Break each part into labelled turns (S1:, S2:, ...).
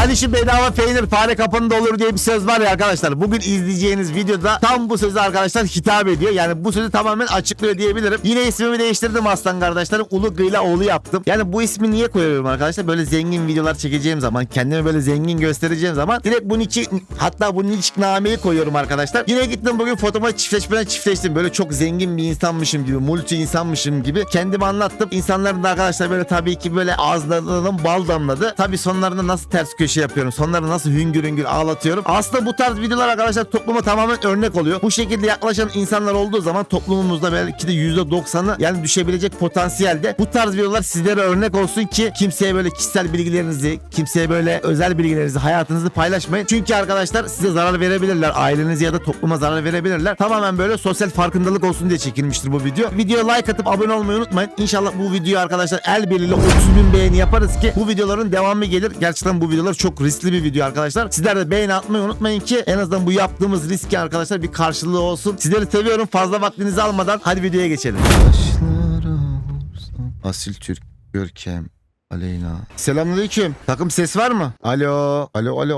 S1: Hani şu bedava peynir fare kapında olur diye bir söz var ya arkadaşlar. Bugün izleyeceğiniz videoda tam bu sözü arkadaşlar hitap ediyor. Yani bu sözü tamamen açıklıyor diyebilirim. Yine ismimi değiştirdim aslan kardeşlerim. Ulu Gıyla oğlu yaptım. Yani bu ismi niye koyuyorum arkadaşlar? Böyle zengin videolar çekeceğim zaman, kendimi böyle zengin göstereceğim zaman direkt bunun için, hatta bunun ilişkinameyi koyuyorum arkadaşlar. Yine gittim bugün fotoğrafa çiftleştim. Böyle çok zengin bir insanmışım gibi, multi insanmışım gibi kendimi anlattım. İnsanların da arkadaşlar böyle tabii ki böyle ağızlarından bal damladı. Tabii sonlarında nasıl ters köşe yapıyorum. Sonları nasıl hüngür hüngür ağlatıyorum. Aslında bu tarz videolar arkadaşlar topluma tamamen örnek oluyor. Bu şekilde yaklaşan insanlar olduğu zaman toplumumuzda belki de %90'ı yani düşebilecek potansiyelde. Bu tarz videolar sizlere örnek olsun ki kimseye böyle kişisel bilgilerinizi, kimseye böyle özel bilgilerinizi, hayatınızı paylaşmayın. Çünkü arkadaşlar size zarar verebilirler. Ailenize ya da topluma zarar verebilirler. Tamamen böyle sosyal farkındalık olsun diye çekilmiştir bu video. Videoya like atıp abone olmayı unutmayın. İnşallah bu video arkadaşlar el birliğiyle 30.000 beğeni yaparız ki bu videoların devamı gelir. Gerçekten bu videolar çok riskli bir video arkadaşlar. Sizler de beğeni atmayı unutmayın ki en azından bu yaptığımız riski arkadaşlar bir karşılığı olsun. Sizleri seviyorum. Fazla vaktinizi almadan hadi videoya geçelim. Asil Türk Görkem Aleyna. Selamünaleyküm. Takım ses var mı? Alo.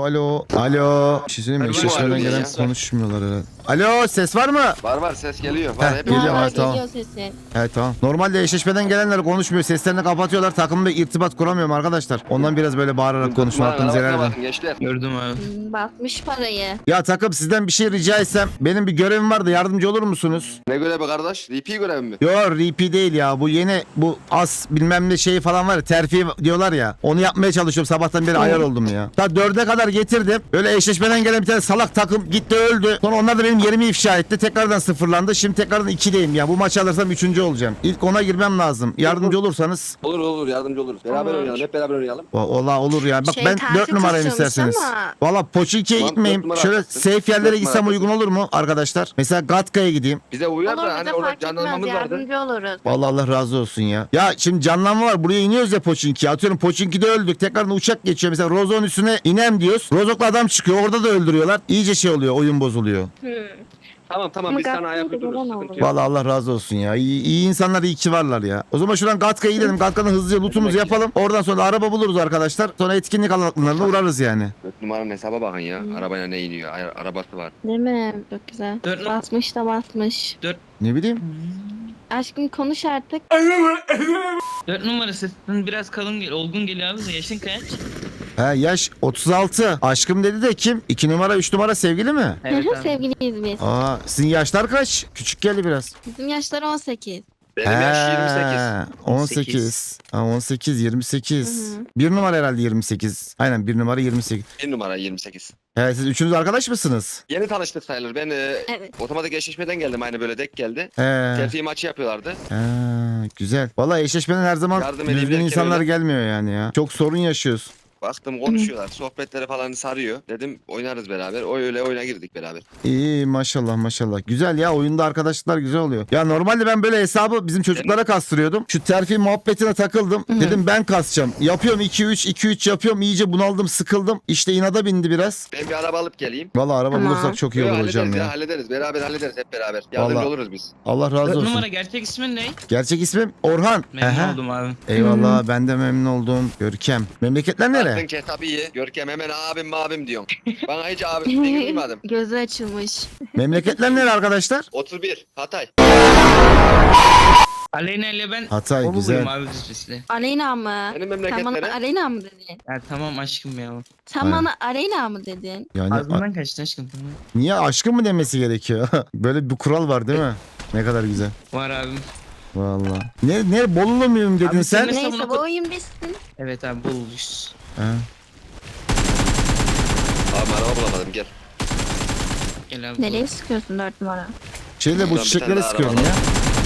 S1: Alo. Bir şey söyleyeyim mi? Eşleşmeden gelen konuşmuyorlar herhalde. Alo, ses var mı?
S2: Var ses geliyor. Var hep
S1: geliyor.
S3: Var,
S1: Tamam.
S3: geliyor sesi.
S1: Evet tamam. Normalde eşleşmeden gelenler konuşmuyor. Seslerini kapatıyorlar. Takımla irtibat kuramıyorum arkadaşlar. Ondan biraz böyle bağırarak konuşma hakkınızı helal edin.
S2: Gençler.
S4: Gördüm abi.
S3: Basmış parayı.
S1: Ya takım sizden bir şey rica etsem. Benim bir görevim vardı. Yardımcı olur musunuz?
S2: Ne görevi kardeş? RP görevi mi?
S1: Yo RP değil ya. Bu yeni bu as bilmem ne şeyi falan var ya. Terfi diyorlar ya. Onu yapmaya çalışıyorum. Sabahtan beri ayar oldum ya. Ta 4'e kadar getirdim. Böyle eşleşmeden gelen bir tane salak takım gitti öldü. Sonra onlar da benim yerimi ifşa etti. Tekrardan sıfırlandı. Şimdi tekrardan 2'deyim ya. Bu maçı alırsam 3. olacağım. İlk ona girmem lazım. Yardımcı olursanız.
S2: Olur yardımcı oluruz. Beraber
S3: Olur.
S2: oynayalım. Hep beraber oynayalım.
S1: Ola olur ya. Bak
S3: Şey,
S1: ben
S3: terfi
S1: 4 numarayım
S3: tutuyormuş
S1: isterseniz.
S3: ama.
S1: Valla Poçinki'ye
S2: Tamam,
S1: gitmeyeyim.
S2: 4 numara
S1: Şöyle
S2: haklısın.
S1: safe yerlere
S2: 4
S1: gitsem
S2: numara
S1: uygun olur mu arkadaşlar? Mesela Gatka'ya gideyim.
S2: Bize uyar
S3: Olur
S2: da
S3: bize
S2: hani orada
S3: fark etmez.
S2: canlanmamız vardı.
S3: Yardımcı oluruz.
S1: Vallahi Allah razı olsun ya. Ya şimdi canlanma var. Buraya iniyoruz ya Poçinki'ye. Atıyorum Poçinki'de öldük. Tekrardan uçak geçiyor. Mesela Rozok'un üstüne inem diyoruz. Rozok'la adam çıkıyor. Orada da öldürüyorlar. İyice şey oluyor. Oyun bozuluyor.
S2: Tamam
S3: Ama
S2: biz sana
S3: Gatka'ya
S2: ayak
S3: da
S2: uydururuz.
S3: gelen
S2: Sıkıntı
S3: olur.
S2: yok.
S1: Vallahi Allah razı olsun ya. İyi insanlar iyi ki varlar ya. O zaman şuradan Gatka'ya gidelim. Gatka'nın hızlıca lootumuzu yapalım. Oradan sonra araba buluruz arkadaşlar. Sonra etkinlik alanlarına uğrarız yani.
S2: 4 numaranın hesaba bakın ya. Arabayla ne iniyor? Arabası var.
S3: Değil mi? Çok güzel.
S4: Dört-
S3: Basmış da basmış.
S1: Ne bileyim.
S3: Aşkım konuş artık.
S4: 4 numara sesin biraz kalın olgun geliyor abi de yaşın kaç?
S1: Ha yaş 36. Aşkım dedi de kim? 2 numara 3 numara sevgili mi?
S4: Evet abi.
S3: Sevgiliyiz biz.
S1: Aa sizin yaşlar kaç? Küçük geldi biraz.
S3: Bizim yaşlar 18.
S2: Benim yaş 28.
S1: 18. Ha, 18 28.
S3: Hı hı.
S1: 1 numara herhalde 28. Aynen 1 numara 28.
S2: 1 numara 28.
S1: Siz üçünüz arkadaş mısınız?
S2: Yeni tanıştık sayılır. Ben
S3: Evet.
S2: otomatik eşleşmeden geldim. Aynı böyle denk geldi.
S1: He.
S2: Terfi maçı yapıyorlardı.
S1: Güzel. Vallahi eşleşmeden her zaman
S2: Yardım
S1: düzgün
S2: edebilirken
S1: insanlar
S2: öyle.
S1: gelmiyor yani ya. Çok sorun yaşıyoruz.
S2: Baktım konuşuyorlar. Sohbetleri falan sarıyor. Dedim oynarız beraber. O öyle oyuna girdik beraber.
S1: İyi maşallah. Güzel ya oyunda arkadaşlıklar güzel oluyor. Ya normalde ben böyle hesabı bizim çocuklara kastırıyordum. Şu terfi muhabbetine takıldım. Dedim ben kasacağım. Yapıyorum 2-3 yapıyorum. İyice bunaldım sıkıldım. İşte inada bindi biraz.
S2: Ben bir araba alıp geleyim.
S1: Vallahi araba
S3: Tamam.
S1: bulursak çok iyi olur hocam
S2: hallederiz
S1: ya.
S2: hallederiz. Beraber hallederiz hep beraber. Yardımcı
S1: Vallahi.
S2: oluruz biz.
S1: Allah
S4: 4
S1: razı olsun.
S4: numara gerçek ismin ne?
S1: Gerçek ismim Orhan.
S4: Memnun
S1: Aha.
S4: oldum abi.
S1: Eyvallah ben de memnun oldum. Görkem. Memleketler nere?
S2: Attın ketabiyi. Görkem hemen abim diyorum. Bana hiç abim diye duymadım.
S3: Gözü açılmış.
S1: Memleketler nere arkadaşlar?
S2: 31 Hatay.
S4: Aleyna ile ben
S1: Hatay
S4: o
S1: güzel.
S4: buyum abi düzcesi.
S3: Aleyna mı?
S2: Senin
S3: Sen bana
S2: memleketlere.
S3: Aleyna mı dedin?
S4: Ya tamam aşkım ya.
S3: Sen
S1: Aynen.
S3: bana Aleyna mı dedin?
S1: Yani
S4: Ağzından kaçtı aşkım tamam.
S1: niye aşkın mı demesi gerekiyor? Böyle bir kural var değil mi? Ne kadar güzel.
S4: Var abim.
S1: Vallahi. Ne Bolulu muyum dedin
S4: Abi
S1: sen?
S4: sen-
S3: Neyse
S4: savunma-
S3: bu oyun bitsin.
S4: Evet abi bulmuş.
S1: Ha.
S2: Abi araba bulamadım gel.
S4: Gel abi.
S3: Nereye sıkıyorsun 4 numara?
S1: Şeyle bu
S2: Buradan bir
S1: çiçeklere
S2: tane daha
S1: sıkıyorum
S2: araba
S1: ya.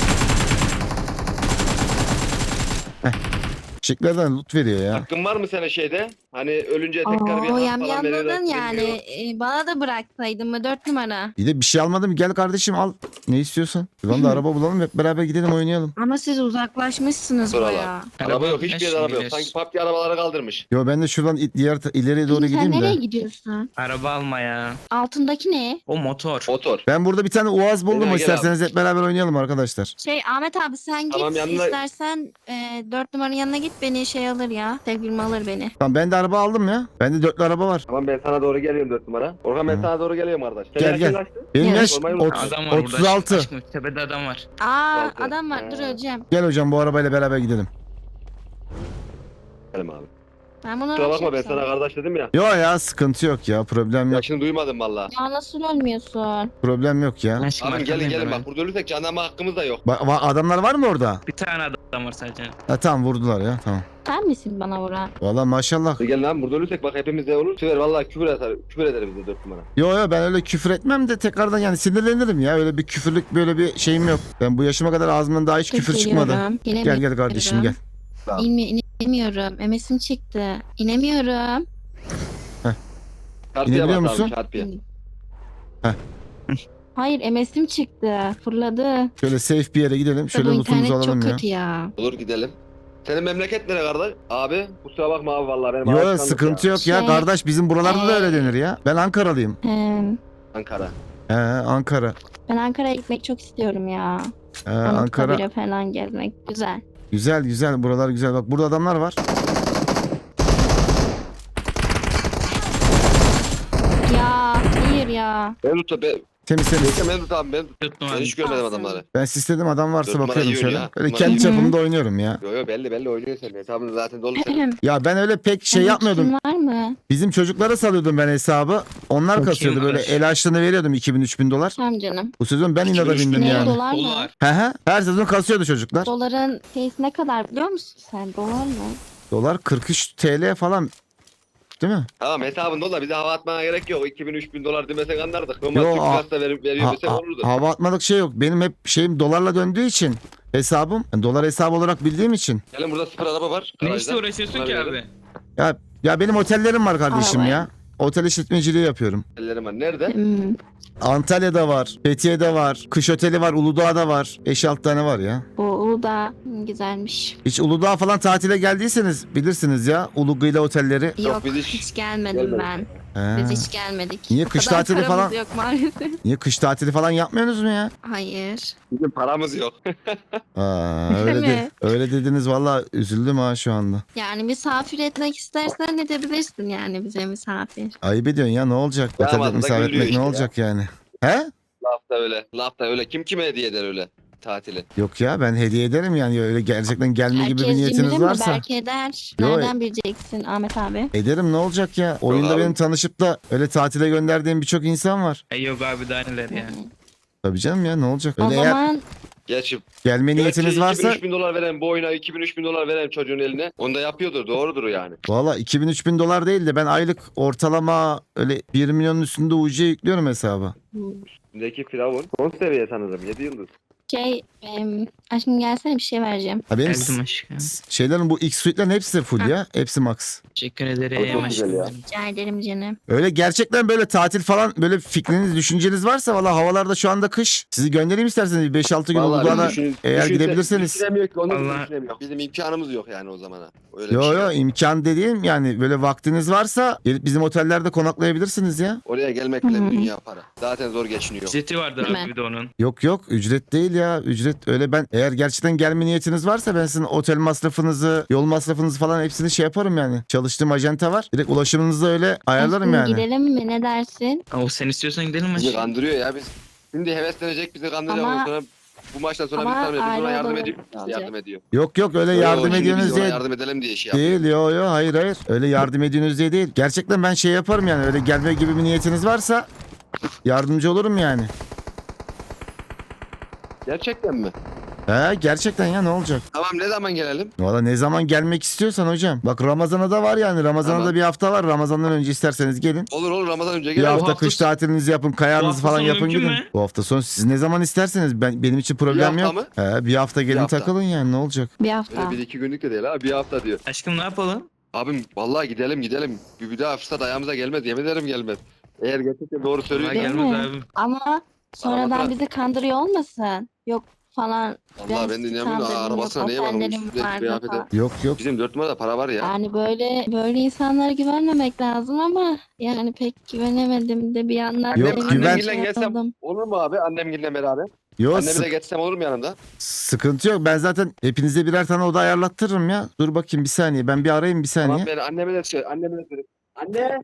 S1: Çiçeklerden loot veriyor ya.
S2: Hakkın var mı senin şeyde? Hani ölünce tekrar bir
S3: Oo
S2: hak
S3: yam
S2: falan veriyorlar.
S3: yamladın yani.
S2: bilmiyorum.
S3: Bana da bıraksaydın mı 4 numara?
S1: Bir de bir şey almadım. Gel kardeşim al. Ne istiyorsan. Buradan da araba bulalım hep beraber gidelim oynayalım.
S3: Ama siz uzaklaşmışsınız
S2: Dur
S3: baya.
S2: Araba yok hiçbir
S4: Yaş
S2: yerde araba yok.
S4: bilir.
S2: Sanki PUBG arabaları kaldırmış.
S1: Yo ben de şuradan ileriye doğru
S3: Sen
S1: gideyim
S3: nereye
S1: de.
S3: gidiyorsun?
S4: Araba alma ya.
S3: Altındaki ne?
S4: O motor.
S2: Motor.
S1: Ben burada bir tane Uaz buldum.
S2: Gel
S1: İsterseniz hep beraber oynayalım arkadaşlar.
S3: Şey Ahmet abi sen git
S2: Tamam, yanına-
S3: istersen 4 numaranın yanına git gelip beni şey alır ya. Sevgilim alır beni.
S1: Tamam ben de araba aldım ya. Bende 4'lü araba var.
S2: Tamam ben sana doğru geliyorum 4 numara. Orhan ben
S1: Hı.
S2: sana doğru geliyorum kardeş.
S1: Gel,
S2: Senin
S1: gel.
S2: yaşın kaçtı?
S1: Benim
S3: Evet.
S1: yaş
S2: Sormayı unutma.
S4: Adam var burada.
S1: 36.
S4: Aşkım, tepede adam var.
S3: Aa
S2: Altı.
S3: adam var dur
S2: Ha.
S3: öleceğim.
S1: Gel hocam bu arabayla beraber gidelim.
S2: Gelim abi.
S3: Ben bunu
S2: Kusura bakma ben
S3: açarsam.
S2: sana kardeş dedim ya.
S1: Yo ya sıkıntı yok ya. Problem yok.
S2: Yaşını duymadım valla.
S3: Ya nasıl ölmüyorsun?
S1: Problem yok ya.
S4: Aşkım,
S2: Abi gelin
S4: arkandayım
S2: gelin
S4: ben.
S2: bak burada ölürsek canlanma hakkımız da yok.
S1: Adamlar var mı orada?
S4: Bir tane adam var sadece.
S1: Ha tamam vurdular ya tamam.
S3: Sen misin bana vuran?
S1: Valla maşallah.
S2: Gelin abi burada ölürsek bak hepimiz de olur. Süper valla küfür eder bize 4 numara.
S1: Yo ben öyle küfür etmem de tekrardan yani sinirlenirim ya. Öyle bir küfürlük böyle bir şeyim yok. Ben bu yaşıma kadar ağzımdan daha hiç küfür çıkmadı.
S3: Geliyorum.
S1: Gel kardeşim gel.
S3: İnemiyorum. MS'im çıktı. İnemiyorum.
S2: Çarpıya
S1: İnebiliyor
S2: bak
S1: musun?
S2: abi çarpıya.
S3: Hayır MS'im çıktı. Fırladı.
S1: Şöyle safe bir yere gidelim. Şöyle
S3: Bu
S1: lootumuzu
S3: internet
S1: alalım
S3: çok
S1: ya.
S3: kötü ya.
S2: Olur gidelim. Senin memleket nere kardeş? Abi kusura bakma abi valla benim
S1: Yo
S2: alışkanlık
S1: sıkıntı
S2: ya.
S1: yok ya
S3: Şey-
S1: kardeş bizim buralarda da öyle denir ya. Ben Ankaralıyım.
S2: Ankara.
S1: He Ankara.
S3: Ben Ankara'ya gitmek çok istiyorum ya.
S1: He Ankara.
S3: Anıtkabir'e falan gezmek güzel.
S1: Güzel güzel buralar güzel. Bak burada adamlar var.
S3: Ya hayır ya.
S2: Mevlut'ta be.
S1: Temiz temiz.
S2: Neyse Mevlut abi Mevlut.
S4: 4 numara.
S2: Ben hiç görmedim
S3: Alsın.
S2: adamları.
S1: Ben sistedim adam varsa
S2: Dört numara
S1: bakıyorum
S2: iyi
S1: şöyle.
S2: oynuyor.
S1: Öyle
S2: Dört
S1: kendi
S3: numara iyi.
S1: çapımda oynuyorum ya.
S2: Yo yo belli oynuyor senin. Hesabın zaten dolu senin.
S1: Ya ben öyle pek şey
S3: Senin
S1: yapmıyordum.
S3: kitin var mı?
S1: Bizim çocuklara salıyordum ben hesabı. Onlar
S4: Çok
S1: kasıyordu
S4: iyi
S1: böyle
S4: var.
S1: el açlığını veriyordum 2000-3000 dolar.
S3: Tamam canım.
S1: Bu sezon ben inada
S2: 2000
S1: bindim
S3: Ne
S1: yani.
S3: dolar mı?
S4: Dolar.
S1: He he. Her sezon kasıyordu çocuklar.
S3: Doların şeysi ne kadar biliyor musun sen? Dolar mı?
S1: Dolar 43 TL falan. Değil mi?
S2: Tamam hesabın dolu da bize hava atmana gerek yok. 2000-3000 dolar demesek anlardık. Normal
S1: Yo,
S2: Türk lirası da veriyor
S1: Ha-
S2: desek
S1: ha-
S2: olurdu.
S1: hava atmalık şey yok. Benim hep şeyim dolarla döndüğü için hesabım. Yani dolar hesabı olarak bildiğim için.
S2: Gelin burada sıfır araba var.
S4: Ne
S2: garajda.
S4: işle uğraşıyorsun
S2: Bunları
S4: ki
S2: verelim.
S4: abi?
S1: Ya benim otellerim var kardeşim
S3: Arabaya.
S1: ya. Otel işletmeciliği yapıyorum.
S2: Ellerim var. Nerede?
S3: Hmm.
S1: Antalya'da var, Fethiye'de var, kış oteli var, Uludağ'da var. 5-6 tane var ya.
S3: Bu Uludağ güzelmiş.
S1: Hiç Uludağ falan tatile geldiyseniz bilirsiniz ya. Ulugıyla otelleri.
S3: Yok
S2: biz
S3: hiç gelmedim
S2: gelmedik.
S3: ben.
S1: He.
S3: Biz hiç gelmedik.
S1: Niye
S3: O
S1: kış
S3: kadar
S1: tatili
S3: paramız
S1: falan-
S3: yok maalesef.
S1: Niye kış tatili falan yapmıyorsunuz mu ya?
S3: Hayır.
S2: Bizim paramız yok.
S1: Öyle,
S3: mi?
S1: öyle dediniz valla üzüldüm ha şu anda.
S3: Yani misafir etmek istersen edebilirsin yani bize misafir.
S1: Ayıp ediyorsun ya ne olacak?
S2: Ya
S1: Otelde
S2: vallahi
S1: misafir
S2: gülüyor
S1: etmek ne
S2: işte
S1: olacak yani? He?
S2: Laf da öyle. Laf da öyle. Kim kime hediye eder öyle tatili?
S1: Yok ya ben hediye ederim yani öyle gerçekten gelme gibi bir
S3: Herkes
S1: niyetiniz
S3: cimri mi?
S1: varsa.
S3: Belki eder.
S1: Yo,
S3: Nereden bileceksin Ahmet abi?
S1: Ederim ne olacak ya? Oyunda
S2: abi.
S1: benim tanışıp da öyle tatile gönderdiğim birçok insan var.
S4: Yok abi daha neler ya.
S1: Tabii canım ya ne olacak?
S3: O
S1: Öyle eğer
S3: zaman
S2: Gerçi
S1: gelme niyetiniz varsa
S2: 2000-3000 dolar veren bu oyuna 2000-3000 dolar veren çocuğun eline onu da yapıyordur. Doğrudur yani.
S1: valla 2000-3000 dolar değil de ben aylık ortalama öyle 1 milyonun üstünde UC yüklüyorum hesaba.
S2: Üstündeki Firavun. Son seviye sanırım. 7 yıldız.
S3: aşkım gelsene bir şey vereceğim.
S1: Ha benim
S4: Geldim aşkım.
S1: şeylerin bu X suite'lerin hepsi full ya. Hepsi max.
S4: Teşekkür
S2: Çok
S4: ederim
S2: güzel
S4: aşkım.
S2: ya.
S3: Rica ederim canım.
S1: Öyle gerçekten böyle tatil falan böyle fikriniz, düşünceniz varsa valla havalarda şu anda kış. Sizi göndereyim isterseniz 5-6 gün
S2: Vallahi
S1: Uludağ'a
S2: biz
S1: eğer gidebilirseniz.
S2: Düşünemiyor ki onu
S4: Allah.
S2: düşünemiyor. Bizim imkanımız yok yani o zamana. Öyle bir
S1: Yo
S2: şey.
S1: yo imkan dediğim yani böyle vaktiniz varsa gelip bizim otellerde konaklayabilirsiniz ya.
S2: Oraya gelmek bile
S3: Hı
S2: bir
S3: hı.
S2: dünya para. Zaten zor geçiniyor.
S4: Ücreti vardır
S3: Değil mi?
S4: abi bir de onun.
S1: Yok yok ücret değil ya ücret öyle ben eğer gerçekten gelme niyetiniz varsa ben sizin otel masrafınızı yol masrafınızı falan hepsini şey yaparım yani. Çalıştığım ajanta var direkt ulaşımınızı öyle ayarlarım
S3: Aşkım
S1: yani.
S3: gidelim mi ne dersin?
S4: O sen istiyorsan gidelim
S2: Bizi
S4: aşkım.
S2: kandırıyor ya biz. Şimdi heveslenecek bizi kandıracak.
S3: Ama-
S2: Ondan sonra bu maçtan sonra
S3: ama
S2: biz tanımıyor. Biz ona
S3: aile
S2: yardım
S3: odamız
S2: ediyor. Biz
S3: olacak.
S2: yardım ediyor.
S1: Yok yok öyle
S2: Yo,
S1: yardım
S2: şimdi biz
S1: ediyorsunuz
S2: ona
S1: diye
S2: yardım edelim diye şey yapıyor.
S1: değil yo hayır öyle yardım ediyorsunuz diye değil. Gerçekten ben şey yaparım yani öyle gelme gibi bir niyetiniz varsa yardımcı olurum yani.
S2: Gerçekten mi?
S1: He gerçekten ya ne olacak?
S2: Tamam ne zaman gelelim?
S1: Valla ne zaman gelmek istiyorsan hocam. Bak Ramazan'a da var yani. Ramazan'a
S2: Tamam.
S1: da bir hafta var. Ramazan'dan önce isterseniz gelin.
S2: Olur Ramazan önce
S1: Bir
S2: gelelim.
S1: hafta
S4: hafta
S1: kış
S4: sonu-
S1: tatilinizi yapın.
S4: Bu
S1: Kayağınızı
S4: hafta
S1: falan
S4: sonu
S1: yapın
S4: mümkün
S1: gidin.
S4: mü?
S1: Bu hafta sonu siz ne zaman isterseniz. Benim için problem
S2: hafta
S1: yok. He, bir hafta gelin
S2: hafta.
S1: takılın yani ne olacak?
S3: Bir hafta.
S2: Öyle 1-2 günlük de değil ha. Bir hafta diyor.
S4: Aşkım ne yapalım?
S2: Abim vallahi gidelim. Bir daha fırsat ayağımıza gelmez. Yemin ederim gelmez. Eğer gerçekten doğru
S4: Vallahi
S2: söylüyorsan.
S3: Değil
S4: gelmez
S3: mi?
S4: abi.
S3: Ama sonradan
S2: Arabada-
S3: bizi kandırıyor olmasın. Yok falan.
S2: Vallahi ben de inanmıyorum.
S3: kandırdım,
S2: Arabasına
S3: yok,
S2: neye bakmış?
S3: otellerim
S2: Sürekli
S3: vardı
S2: kıyafete.
S3: falan.
S1: Yok yok.
S2: Bizim 4 numarada para var ya.
S3: Yani böyle insanlara güvenmemek lazım ama yani pek güvenemedim de bir yandan
S1: Yok,
S3: da
S1: güven-
S2: Annemgille gelsem olur mu abi? Annemgille beraber.
S1: Yo
S2: Annemi de getirsem olur mu yanımda?
S1: sıkıntı yok. Ben zaten hepinize birer tane oda ayarlattırırım ya. Dur bakayım bir saniye. Ben bir arayayım bir saniye.
S2: Tamam ben anneme de söyle. Anneme de söyle. Anne.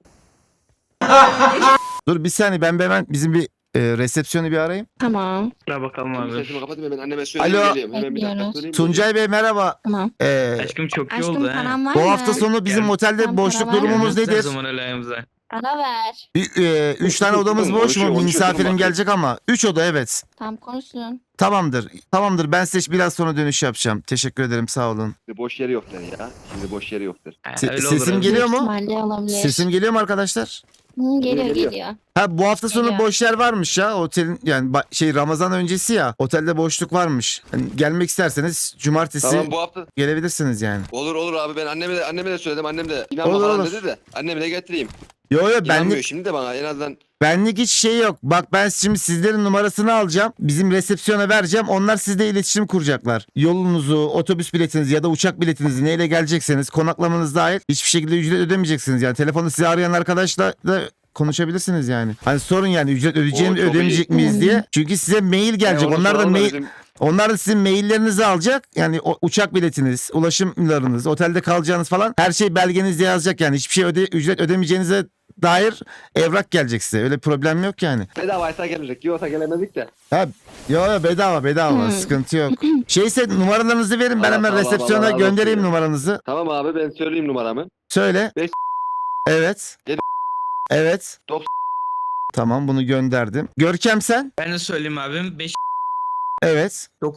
S1: Dur bir saniye ben hemen bizim bir resepsiyonu bir arayayım.
S3: Tamam.
S4: Dur bakalım
S2: Şimdi
S4: abi.
S2: sesimi kapatayım ben anneme söyleyeyim
S1: Alo.
S2: geliyorum. Hemen bir dakika
S3: Bekliyoruz.
S2: söyleyeyim.
S1: Tuncay Bey merhaba.
S3: Tamam.
S4: Aşkım çok iyi
S3: Aşkım
S4: oldu ha.
S3: param var
S1: Bu
S3: mı?
S1: hafta sonu bizim
S4: Gel.
S1: otelde
S3: Sen
S1: boşluk
S3: para ver.
S1: durumumuz
S4: Gelmez her
S1: nedir?
S4: zaman öyle ayağımıza.
S3: Para ver.
S1: 3 tane odamız boş
S2: Konuşuyor,
S1: mu?
S2: konuşuyor,
S1: Misafirim
S2: durun
S1: gelecek ama 3 oda evet.
S3: Tam konuşsun.
S1: Tamamdır. Tamamdır. Ben size biraz sonra dönüş yapacağım. Teşekkür ederim. Sağ olun.
S2: Şimdi boş yeri yoktur ya. Şimdi boş yeri yoktur.
S4: Ha,
S1: Se-
S4: öyle
S1: sesim
S4: olur abi.
S1: geliyor mu?
S3: İhtimalle olabilir.
S1: Sesim geliyor mu arkadaşlar?
S3: Hı, geliyor
S2: Geliyor.
S3: geliyor.
S1: Ha bu hafta sonu
S3: Geliyor.
S1: boş yer varmış ya. Otelin yani Ramazan öncesi ya. Otelde boşluk varmış. Hani gelmek isterseniz cumartesi
S2: Tamam bu hafta
S1: gelebilirsiniz yani.
S2: olur abi ben anneme de söyledim. Annem de
S1: Olur,
S2: inanma falan
S1: olur.
S2: dedi de annemi de getireyim.
S1: Yo
S2: İnanmıyor
S1: benlik
S2: şimdi de bana en azından.
S1: benlik hiç şey yok. Bak ben şimdi sizlerin numarasını alacağım. Bizim resepsiyona vereceğim. Onlar sizle iletişim kuracaklar. Yolunuzu, otobüs biletinizi ya da uçak biletinizi neyle gelecekseniz konaklamanız dahil hiçbir şekilde ücret ödemeyeceksiniz. Yani telefonda sizi arayan arkadaşla da konuşabilirsiniz yani. Hani sorun yani ücret ödeyeceğim
S2: Oo, çok
S1: ödemeyecek
S3: iyi.
S1: miyiz diye. Çünkü size mail gelecek.
S2: Onu
S1: Onlar da
S2: soralım
S1: mail
S2: bizim-
S1: Onlar da sizin maillerinizi alacak. Yani uçak biletiniz, ulaşımlarınız, otelde kalacağınız falan her şey belgenizde yazacak yani. Hiçbir şey ücret ödemeyeceğinize dair evrak gelecek size. Öyle problem yok yani.
S2: Bedavaysa gelecek. Yoksa gelemedik de.
S1: Ha, yo bedava
S3: Hmm.
S1: sıkıntı yok. Şeyse numaralarınızı verin ben
S2: Allah,
S1: hemen
S2: Allah,
S1: resepsiyona
S2: Allah razı
S1: göndereyim
S2: olsun ya.
S1: numaranızı.
S2: Tamam abi ben söyleyeyim numaramı.
S1: Söyle.
S2: Beş-
S1: Evet.
S2: Yedi-
S1: Evet.
S2: Dok-
S1: Tamam bunu gönderdim. Görkem sen?
S4: Ben de söyleyeyim abim. 5
S1: Evet.
S4: Dok-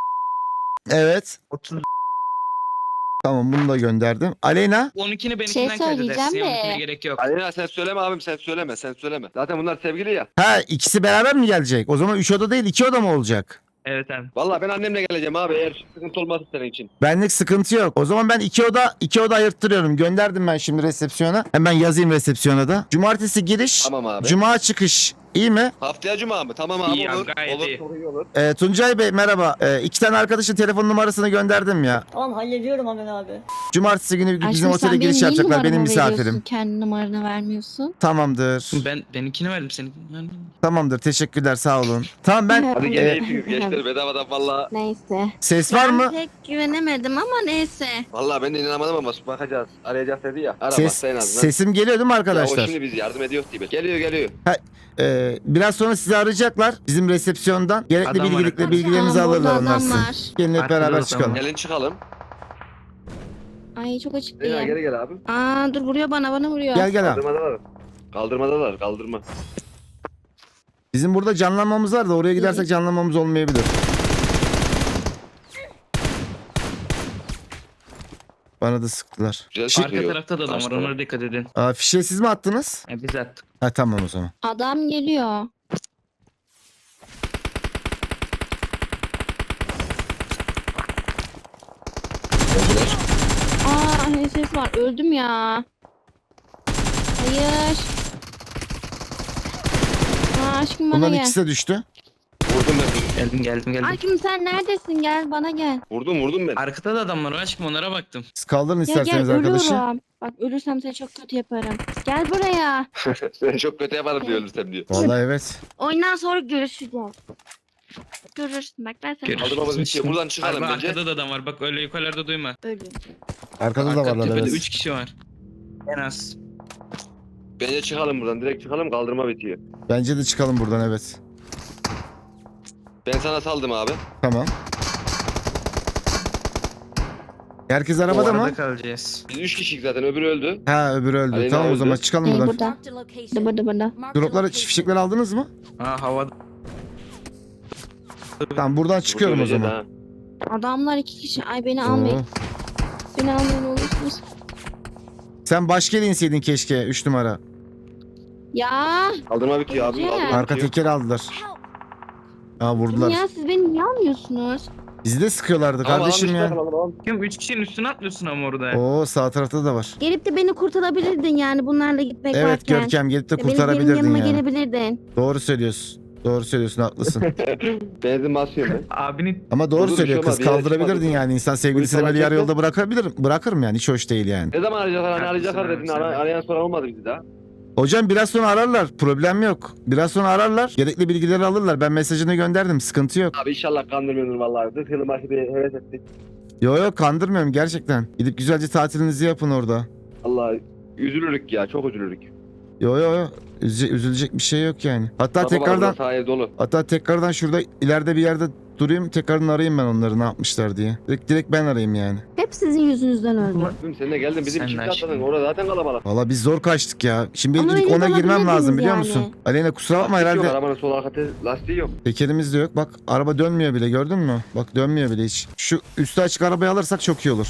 S1: Evet.
S4: 30
S1: Tamam bunu da gönderdim. Aleyna?
S4: 12'ni benimkinden
S3: Şey
S4: kaydedersin.
S3: söyleyeceğim de.
S4: 12'ne gerek yok.
S2: Aleyna sen söyleme abim sen söyleme. Zaten bunlar sevgili ya.
S1: Ha ikisi beraber mi gelecek? O zaman 3 oda değil 2 oda mı olacak?
S4: Evet abi.
S2: Vallahi ben annemle geleceğim abi eğer sıkıntı olmazsa senin için.
S1: Benlik sıkıntı yok. O zaman ben 2 oda ayırttırıyorum. Gönderdim ben şimdi resepsiyona. Hemen yazayım resepsiyona da. Cumartesi giriş,
S2: Tamam abi.
S1: cuma çıkış. İyi mi?
S2: Haftaya cuma mı? Tamam abi
S4: İyi ya,
S2: olur.
S4: gayet
S2: Olur
S4: iyi.
S2: çok iyi olur.
S1: Tuncay Bey merhaba. 2 tane arkadaşın telefon numarasını gönderdim ya.
S5: Tamam hallediyorum hemen abi.
S1: Cumartesi günü bizim
S3: Aşkım
S1: otele
S3: sen
S1: giriş
S3: benim niye
S1: yapacaklar. Benim
S3: numaramı veriyorsun?
S1: misafirim.
S3: Kendi numaranı vermiyorsun.
S1: Tamamdır.
S4: Benimkini verdim seninkini verdim.
S1: Tamamdır. Teşekkürler. Sağ olun. Tamam ben
S2: Hadi
S1: Ee,
S2: gene iyisiniz gençler bedavadan valla.
S3: Neyse.
S1: ses var
S3: Ben
S1: mı?
S3: pek güvenemedim ama neyse.
S2: Valla ben de inanamadım ama bakacağız. Arayacağız dedi ya. Ara
S1: Ses,
S2: bak en azından.
S1: sesim geliyor değil mi
S2: Ya o
S1: arkadaşlar?
S2: şimdi biz yardım ediyoruz diye. Geliyor.
S1: Biraz sonra sizi arayacaklar bizim resepsiyondan. Gerekli
S4: Adam var
S1: bilgilikle
S4: arkadaşlar.
S1: bilgilerinizi
S3: Tamam, burada
S1: alırlar onlar
S3: adam
S1: sizin.
S3: var.
S1: Gelin hep
S4: Arkada
S1: beraber
S4: adam
S1: çıkalım.
S4: var.
S2: Gelin çıkalım.
S3: Ay çok
S2: Leyla
S3: açıklıyım.
S2: geri gel abi.
S3: Aa dur vuruyor bana vuruyor.
S1: Gel abi.
S2: Kaldırma.
S1: Bizim burada canlanmamız var da oraya gidersek canlanmamız olmayabilir. Bana da sıktılar.
S2: Güzel
S1: Şi-
S4: Arka
S2: çıkıyor.
S4: tarafta da adam var.
S2: Karşı
S4: Onlara dikkat edin.
S1: Fişe siz mi attınız?
S4: Biz attık.
S1: Ha tamam o zaman.
S3: Adam geliyor. Aa ne ses var. Öldüm ya. Hayır. Aa aşkım bana
S1: Bunların
S3: gel.
S1: ikisi de düştü.
S2: Vurdum ben.
S4: Geldim.
S3: Aşkım sen neredesin? Gel bana gel.
S2: Vurdum ben.
S4: Arkada da adam var aşkım onlara baktım.
S1: Siz kaldırın
S3: Ya gel
S1: isterseniz arkadaşı.
S3: ölüyorum. Bak ölürsem seni çok kötü yaparım. Gel buraya.
S2: Ben çok kötü yaparım diyor ölürsem diyor.
S1: Vallahi evet.
S3: Oyundan sonra görüşeceğiz. Görürsün bak ben seni
S4: Görüşürüz.
S2: Kaldırmamız bitiyor. Buradan çıkalım
S4: Abi,
S2: bence.
S4: arkada da adam var. Bak öyle yukarılarda duyma.
S3: ölüyorum.
S1: Arkada da
S4: Arka
S1: varlar
S4: tepede
S1: evet.
S4: 3 kişi var. En az.
S2: Bence çıkalım buradan. Direkt çıkalım kaldırma bitiyor.
S1: Bence de çıkalım buradan evet.
S2: Ben sana saldım abi.
S1: Tamam. Herkes arabada
S4: O
S1: mı?
S4: arada kalacağız.
S2: Biz 3 kişiyiz zaten öbürü öldü.
S1: Ha öbürü öldü.
S2: Aleyna
S1: Tamam o
S2: öldü.
S1: zaman çıkalım
S3: Hey
S1: buradan.
S3: burada. Burada.
S1: Dropları fişekleri aldınız mı?
S4: Ha havada.
S1: Tamam buradan çıkıyorum o
S2: Burada
S1: zaman.
S2: öleceğiz
S3: Adamlar 2 kişi. Ay beni almayın.
S1: Oo.
S3: Beni almayın olursunuz.
S1: Sen başka yere inseydin keşke 3 numara.
S3: Ya.
S2: ha. Kaldırma bitiyor abi.
S3: Güzel.
S2: Kaldırma
S1: Arka
S2: bitiyor.
S1: tekeri aldılar. Aa vurdular.
S3: Ya siz beni niye almıyorsunuz?
S1: Bizi de sıkıyorlardı
S2: Tamam,
S1: kardeşim
S2: almışlar,
S1: ya.
S2: tamam.
S4: Kim 3 kişinin üstüne atlıyorsun ama orada.
S1: Oo sağ tarafta da var.
S3: Gelip de beni kurtarabilirdin yani bunlarla gitmek
S1: Evet
S3: varken.
S1: Görkem gelip de
S3: Benim
S1: kurtarabilirdin
S3: yanıma
S1: yani.
S3: gelebilirdin.
S1: Doğru söylüyorsun. Doğru söylüyorsun haklısın.
S2: Benzin basıyorum ben.
S4: Abini
S1: Ama doğru
S2: Dur,
S1: söylüyor
S2: bir şey
S1: kız
S2: olmaz, bir yere
S1: kaldırabilirdin
S2: çıkmadı.
S1: yani. İnsan sevgilisini
S2: Polis
S1: böyle yarı
S2: alacaktı.
S1: yolda bırakabilirim. Bırakırım yani hiç hoş değil yani.
S2: Ne zaman arayacaklar? Hani
S4: Haklısın
S2: arayacaklar
S4: abi,
S2: dedin.
S4: sen de.
S2: Arayan soran olmadı bizi daha.
S1: Hocam biraz sonra ararlar. Problem yok. Biraz sonra ararlar. Gerekli bilgileri alırlar. Ben mesajını gönderdim. Sıkıntı yok.
S2: Abi inşallah kandırmıyordur vallahi. 40 yıl maçı bir heves ettik.
S1: Yo kandırmıyorum gerçekten. Gidip güzelce tatilinizi yapın orada.
S2: Allah üzülürük ya, çok üzülürük.
S1: Yo. Üzülecek bir şey yok yani. Hatta tekrardan şurada ileride bir yerde durayım. Tekrardan arayayım ben onları ne yapmışlar diye. Direkt ben arayayım yani.
S3: Hep sizin yüzünüzden öldü.
S2: Sen de geldin bizim
S4: Sen
S2: çift
S4: de
S2: atladın.
S4: aşkım.
S2: Orada zaten kalabalık.
S1: Valla biz zor kaçtık ya. Şimdi
S3: Ama
S1: ilk
S3: öyle
S1: ona girmem
S3: kalabilirdiniz
S1: lazım biliyor
S3: yani.
S1: musun? Aleyna kusura bakma
S2: Lastik yok,
S1: herhalde.
S2: arabanın sol arka lastiği yok.
S1: Tekerimiz de yok. Bak araba dönmüyor bile gördün mü? Bak dönmüyor bile hiç. Şu üstü açık arabayı alırsak çok iyi olur.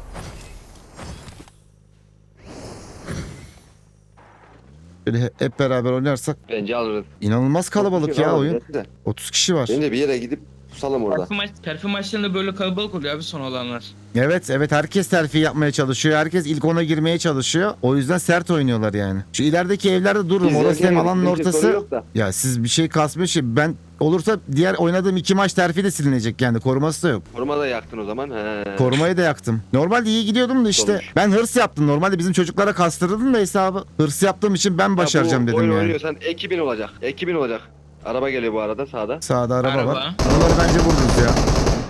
S1: Böyle hep beraber oynarsak
S2: Bence alırız.
S1: inanılmaz kalabalık ya oyun. 30 kişi var.
S2: Bence bir yere gidip pusalım orada.
S4: Terfi maçlarında böyle kalabalık oluyor abi son olanlar.
S1: Evet herkes terfi yapmaya çalışıyor. Herkes ilk ona girmeye çalışıyor. O yüzden sert oynuyorlar yani. Şu ilerideki evlerde dururum. Orası hem alanın ortası. Ya siz bir şey kasmıyor şey. Ben olursa diğer oynadığım 2 maç terfi de silinecek yani. Koruması da yok.
S2: Koruma da yaktın o zaman. He.
S1: Korumayı da yaktım. Normalde iyi gidiyordum da işte.
S2: Olmuş.
S1: Ben hırs yaptım. Normalde bizim çocuklara kastırdım da hesabı. Hırs yaptığım için ben başaracağım
S2: Ya bu
S1: dedim
S2: oyun
S1: yani.
S2: oynuyorsan ekibin olacak. Ekibin olacak. Araba geliyor bu arada sağda.
S1: Sağda araba var.
S4: Araba.
S1: Onları bence vururuz ya.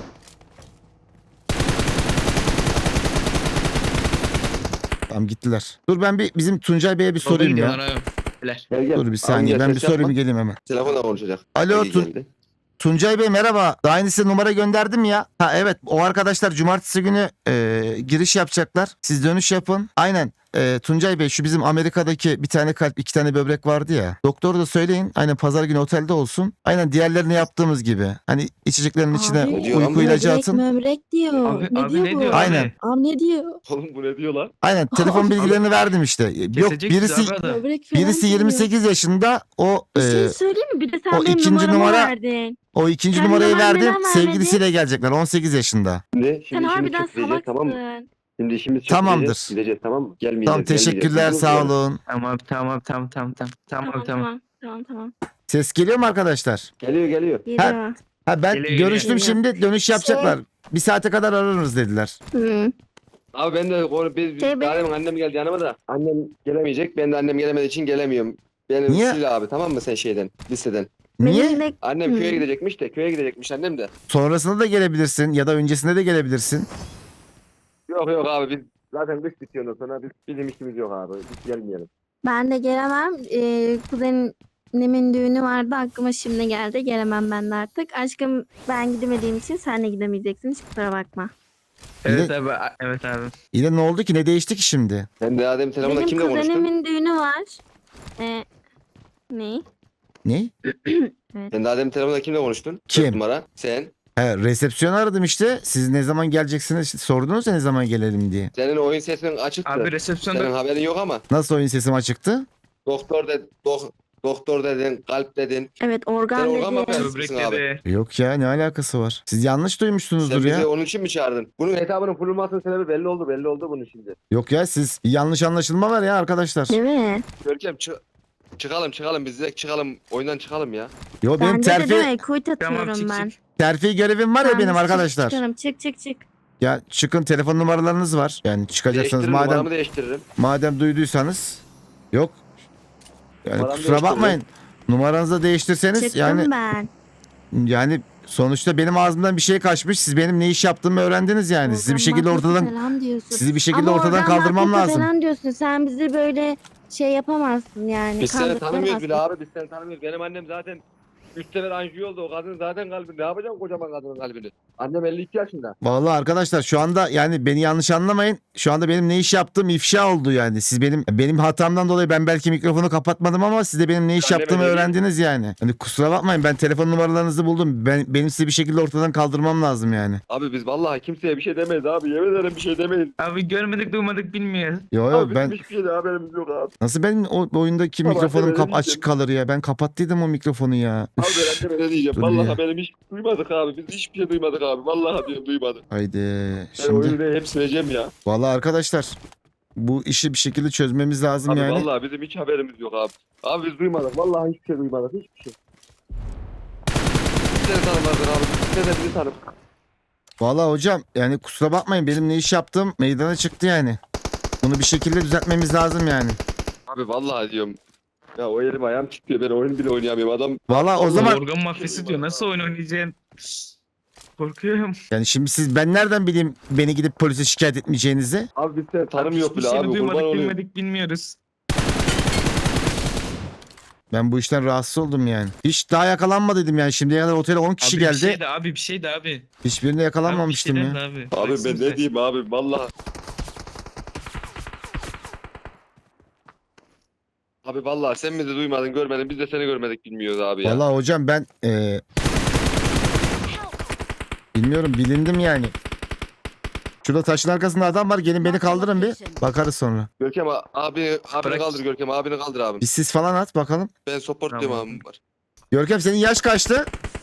S1: Tamam gittiler. Dur ben bir bizim Tuncay Bey'e bir sorayım ya.
S2: Gel gel.
S1: Dur bir saniye
S2: Abi,
S1: ben
S2: gel,
S1: bir
S2: ses
S1: sorayım
S2: yapma.
S1: geleyim hemen.
S2: Telefonla konuşacak.
S1: Alo,
S2: İyi geldi.
S1: Tuncay Bey merhaba. Daha yeni size numara gönderdim ya. Ha evet o arkadaşlar cumartesi günü giriş yapacaklar. Siz dönüş yapın. Aynen. Tuncay Bey şu bizim Amerika'daki bir tane kalp 2 tane böbrek vardı ya. Doktoru da söyleyin. Aynen pazar günü otelde olsun. Aynen diğerlerini yaptığımız gibi. Hani içeceklerin içine
S3: Abi,
S2: diyor
S1: uyku ilacı
S3: Böbrek
S1: atın.
S3: möbrek diyor.
S4: Abi,
S3: ne
S4: abi
S3: diyor
S4: ne
S3: bu?
S4: diyor?
S1: Aynen.
S3: Abi ne diyor?
S2: Oğlum bu ne diyor lan?
S1: Aynen telefon bilgilerini verdim işte. Yok
S4: Kesecek
S1: birisi
S4: bizi abi adam.
S3: Böbrek falan
S1: birisi
S3: diyor.
S1: 28 yaşında o
S3: Bir şey söyleyeyim mi? Bir de sen
S1: o
S3: benim
S1: ikinci
S3: numaramı
S1: numara-
S3: verdin.
S1: o ikinci
S3: Sen
S1: numarayı
S3: numaranı
S1: verdim.
S3: neden
S1: Sevgilisiyle gelecekler 18 yaşında.
S2: Şimdi
S3: Sen
S2: işimiz
S3: harbiden
S2: çok diyeceğiz, tamam mı?
S3: salaksın.
S2: Şimdi işimiz çok
S1: Tamamdır.
S2: diyeceğiz, gideceğiz tamam mı? Gelmeyeceğiz.
S1: Tamam teşekkürler
S2: gelmeyeceğiz.
S1: sağ olun.
S4: Tamam.
S3: Tamam.
S1: Ses geliyor mu arkadaşlar?
S2: Geliyor.
S3: Geliyor.
S1: Ha ben
S4: Geliyor,
S1: görüştüm
S3: geliyor.
S1: şimdi dönüş yapacaklar. Bir saate kadar ararız dediler.
S3: Hı.
S2: Abi ben de benim annem geldi yanıma da. Annem gelemeyecek. Ben de annem gelemediği için gelemiyorum. Beni
S1: Niye?
S2: sil abi tamam mı sen liseden.
S1: Niye?
S3: Benim de-
S2: Annem
S3: Hı.
S2: köye gidecekmiş annem de.
S1: Sonrasında da gelebilirsin ya da öncesinde de gelebilirsin.
S2: Yok abi biz zaten kış bitiyor ondan sonra bizim işimiz yok abi. Biz gelmeyelim.
S3: Ben de gelemem. Kuzenimin düğünü vardı. Aklıma şimdi geldi. Gelemem ben de artık. Aşkım ben gidemediğim için sen de gidemeyeceksin. Hiç kusura bakma.
S4: Evet abi. Evet abi.
S1: Yine ne oldu ki ne değişti ki şimdi?
S2: Ben de Adem telefonda
S3: Benim
S2: kimle konuştun?
S3: kuzenimin düğünü var. Ne?
S1: Ne?
S2: Sen de Adem telefonda kimle konuştun?
S1: Kim?
S2: 4 numara. Sen.
S1: He, resepsiyon aradım işte. Siz ne zaman geleceksiniz? İşte sordunuz ya ne zaman gelelim diye.
S2: Senin oyun sesinin açıktı.
S4: Abi
S2: Senin
S4: resepsiyonda
S2: haberin yok ama.
S1: Nasıl oyun sesim açıktı?
S2: Doktor dedin, kalp dedin.
S3: Evet organ
S2: Sen organ mı
S3: dedi.
S2: yapıyorsun?
S4: böbrek
S2: Abi.
S4: dedi.
S1: Yok ya ne alakası var? Siz yanlış duymuşsunuzdur
S2: Sen bizi
S1: ya.
S2: onun için mi çağırdın? Bunun hesabının kurulmasının sebebi belli oldu bunun şimdi.
S1: Yok ya siz yanlış anlaşılma var ya arkadaşlar.
S3: Değil mi?
S2: Görkem çıkalım biz direkt çıkalım oyundan çıkalım ya.
S1: Yo benim
S3: Bende de
S1: terfi
S3: değil mi? Kuyut
S4: Tamam
S3: atıyorum
S4: çık
S3: ben.
S4: çık.
S1: terfi görevim var ya
S3: Tamam,
S1: benim
S3: çık,
S1: arkadaşlar.
S3: Çıkarım. Çık.
S1: Ya çıkın telefon numaralarınız var. Yani çıkacaksınız
S2: Değiştiririm,
S1: madem
S2: numaramı değiştiririm.
S1: madem duyduysanız. Yok. Yani
S2: Numaramı
S1: kusura
S2: değiştiririm.
S1: bakmayın. Numaranızı da değiştirseniz
S3: Çıktım
S1: yani
S3: ben.
S1: sonuçta benim ağzımdan bir şey kaçmış. Siz benim ne iş yaptığımı öğrendiniz yani. Sizi bir şekilde
S3: Organ
S1: ortadan
S3: maddesi falan diyorsun.
S1: sizi bir şekilde
S3: Ama
S1: ortadan
S3: organ
S1: kaldırmam
S3: maddesi
S1: lazım.
S3: falan diyorsun. Sen bizi böyle şey yapamazsın yani.
S2: Biz seni tanımıyoruz bile
S3: kandıramazsın.
S2: abi biz seni tanımıyoruz. Benim annem zaten 3 sefer anjiyo oldu o kadın zaten kalbini. Ne yapacağım kocaman kadının kalbini? Annem 52 yaşında.
S1: Vallahi arkadaşlar şu anda yani beni yanlış anlamayın. Şu anda benim ne iş yaptığım ifşa oldu yani. Siz benim hatamdan dolayı ben belki mikrofonu kapatmadım ama siz de benim ne iş
S2: Anneme
S1: yaptığımı
S2: dedi.
S1: öğrendiniz yani. Hani kusura bakmayın ben telefon numaralarınızı buldum. Benim sizi bir şekilde ortadan kaldırmam lazım yani.
S2: Abi biz vallahi kimseye bir şey demeyiz abi. Yemin ederim bir şey demeyiz.
S4: Abi görmedik duymadık bilmiyoruz.
S1: Yo
S2: Abi
S1: ben
S2: bizim hiçbir şeyde haberimiz yok abi.
S1: nasıl benim o oyundaki
S2: Tamam,
S1: mikrofonum
S2: evet,
S1: açık kalır ya. Ben kapattıydım o mikrofonu ya.
S2: Abi ben anneme ne diyeceğim?
S1: Dur
S2: Vallahi
S1: ya.
S2: benim hiç duymadık abi. Biz hiçbir şey duymadık abi. Vallahi diyorum duymadık.
S1: Haydi
S2: Ben
S1: şimdi.
S2: oyunu hep sileceğim ya.
S1: Vallahi arkadaşlar bu işi bir şekilde çözmemiz lazım
S2: Abi
S1: yani.
S2: vallahi bizim hiç haberimiz yok abi. Abi biz duymadık. Vallahi hiçbir şey duymadık. Hiçbir şey. Bizleri tanımadın abi. Bizleri de bizi tanıdık.
S1: Vallahi hocam yani kusura bakmayın benim ne iş yaptığım meydana çıktı yani. Bunu bir şekilde düzeltmemiz lazım yani.
S2: Abi vallahi diyorum. Ya o elim ayağım çıkıyor. Ben oyun bile oynayamıyorum. Adam
S1: Valla o zaman
S4: Organ mafyası diyor. Nasıl oyun oynayacaksın? Korkuyorum.
S1: yani şimdi ben nereden bileyim beni gidip polise şikayet etmeyeceğinizi?
S2: abi biz de tanım yok
S4: Hiçbir
S2: bile
S4: şeyini
S2: abi. Kurban
S4: duymadık
S2: olayım.
S4: bilmedik bilmiyoruz.
S1: Ben bu işten rahatsız oldum yani. Hiç daha yakalanmadıydım yani. Şimdiye kadar otele 10 kişi
S4: Abi
S1: geldi.
S4: bir şey de abi bir şey de abi.
S1: Hiçbirine yakalanmamıştım
S4: Abi, bir
S1: ya.
S4: şey de abi.
S2: Abi
S4: Bıraksın
S2: ben
S4: bize.
S2: ne diyeyim abi vallahi. Abi vallahi sen bizi duymadın görmedin biz de seni görmedik bilmiyoruz abi ya.
S1: Valla hocam ben bilmiyorum bilindim yani. Şurada taşın arkasında adam var. Gelin beni kaldırın bir. Bakarız sonra.
S2: Görkem abini
S4: Bırak.
S2: kaldır Görkem abini kaldır abi.
S1: Bir sis falan at bakalım.
S2: Ben support
S4: Tamam.
S2: diyorum abim var.
S1: Görkem senin yaş kaçtı?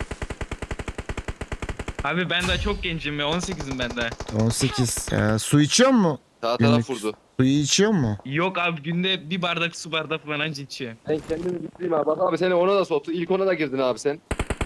S4: Abi ben daha çok gencim ya 18'im ben daha.
S1: 18. Su içiyor mu?
S2: Sağ
S1: Günlük.
S2: taraf vurdu.
S1: Suyu içiyor mu?
S4: Yok abi günde bir bardak su bardağı falan anca içiyorum.
S2: Ben kendimi bitireyim abi. Bak abi seni ona da soktu. İlk ona da girdin abi sen.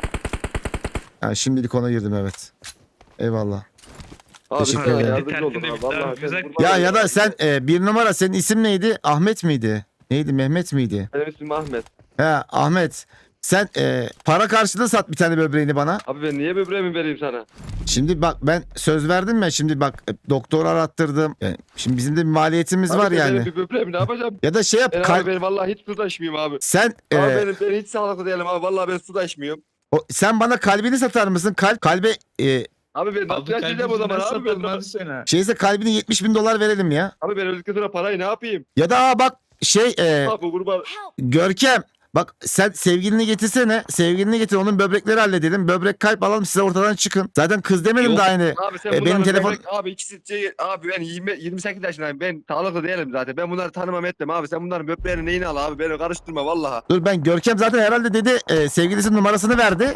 S1: Ha, şimdilik ona girdim evet. Eyvallah.
S2: Abi
S1: Teşekkür
S2: sana
S1: ederim.
S2: yardımcı oldum
S4: Tertemiz
S2: abi.
S4: bir
S2: Vallahi
S4: taraf,
S2: ben
S4: güzel.
S2: kurban
S1: Ya
S2: olayım.
S1: da sen bir numara senin isim neydi? Ahmet miydi? Neydi Mehmet miydi?
S2: Benim ismim Ahmet.
S1: He Ahmet. Sen para karşılığı sat bir tane böbreğini bana.
S2: Abi ben niye böbreğimi vereyim sana?
S1: Şimdi bak ben söz verdim ya şimdi bak doktor arattırdım. Yani şimdi bizim de bir maliyetimiz
S2: Abi
S1: var
S2: ben
S1: yani.
S2: benim bir böbreğimi ne yapacağım?
S1: Ya da şey yap
S2: Ben abi ben vallahi hiç su taşmıyorum abi.
S1: sen
S2: Abi ben hiç sağlıklı değilim abi. Vallahi ben su taşmıyorum.
S1: sen bana kalbini satar mısın? Kalbe
S2: Abi ben nasıl yaşayacağım o zaman abi ben?
S4: Abi sana.
S1: şeyse kalbini $70.000 verelim ya.
S2: Abi ben öldükten sonra parayı ne yapayım?
S1: Ya da bak
S2: Abi kurban.
S1: Görkem bak sen sevgilini getirsene. Sevgilini getir onun böbrekleri halledelim. Böbrek kalp alalım size ortadan çıkın. Zaten kız demedim
S4: Yok.
S1: de aynı.
S2: Abi sen
S1: benim
S2: bunların
S1: telefon-
S2: abi ikisi abi ben 28 yaşındayım. Ben sağlıklı değilim zaten. Ben bunları tanımam etmem abi. Sen bunların böbreğini neyini al abi? Beni karıştırma vallahi.
S1: Dur ben Görkem zaten herhalde dedi sevgilisinin numarasını verdi.